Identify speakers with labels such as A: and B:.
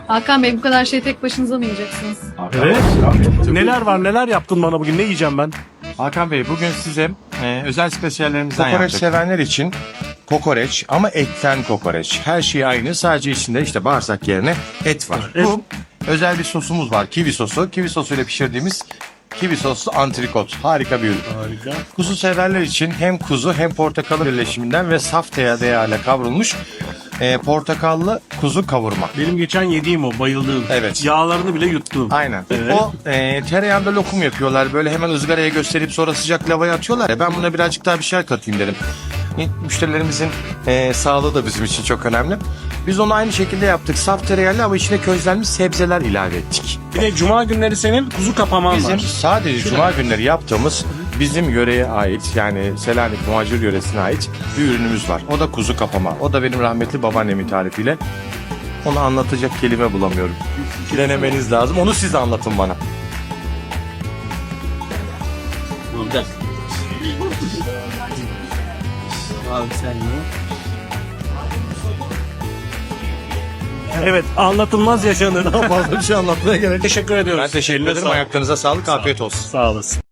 A: Hakan Bey bu kadar şey tek başınıza mı yiyeceksiniz?
B: Evet. Neler var, neler yaptın bana bugün? Ne yiyeceğim ben?
C: Hakan Bey bugün size özel spesiyallerimizden
D: Kokoreç
C: yaptık.
D: sevenler için kokoreç ama etten kokoreç. Her şey aynı, sadece içinde işte bağırsak yerine et var. Bu özel bir sosumuz var, kivi sosu. Kivi sosuyla pişirdiğimiz kivi soslu antrikot. Harika bir ürün.
B: Harika.
D: Kuzu severler için hem kuzu hem portakalın birleşiminden ve saf tereyağıyla kavrulmuş portakallı kuzu kavurma.
B: Benim geçen yediğim o, bayıldığım.
D: Evet.
B: Yağlarını bile yuttum.
D: Aynen.
B: Evet.
D: O tereyağında lokum yapıyorlar. Böyle hemen ızgaraya gösterip sonra sıcak lavaya atıyorlar ya. Ben buna birazcık daha bir şeyler katayım dedim. Müşterilerimizin sağlığı da bizim için çok önemli. Biz onu aynı şekilde yaptık. Saf tereyağlı ama içine közlenmiş sebzeler ilave ettik.
B: Bir de cuma günleri senin kuzu kapaman
D: Bizim
B: var.
D: sadece cuma günleri yaptığımız bizim yöreye ait, yani Selanik Muhacir yöresine ait bir ürünümüz var. O da kuzu kapama. O da benim rahmetli babaannemin tarifiyle. Onu anlatacak kelime bulamıyorum. Denemeniz lazım. Onu siz anlatın bana.
B: Evet, anlatılmaz yaşanır.
D: Fazla bir şey anlatmaya gerek yok.
B: Teşekkür ediyoruz.
D: Ben teşekkür
B: Eline
D: ederim.
B: sağlık.
D: Ayaklarınıza sağlık. Afiyet olsun.
B: Sağ olasın.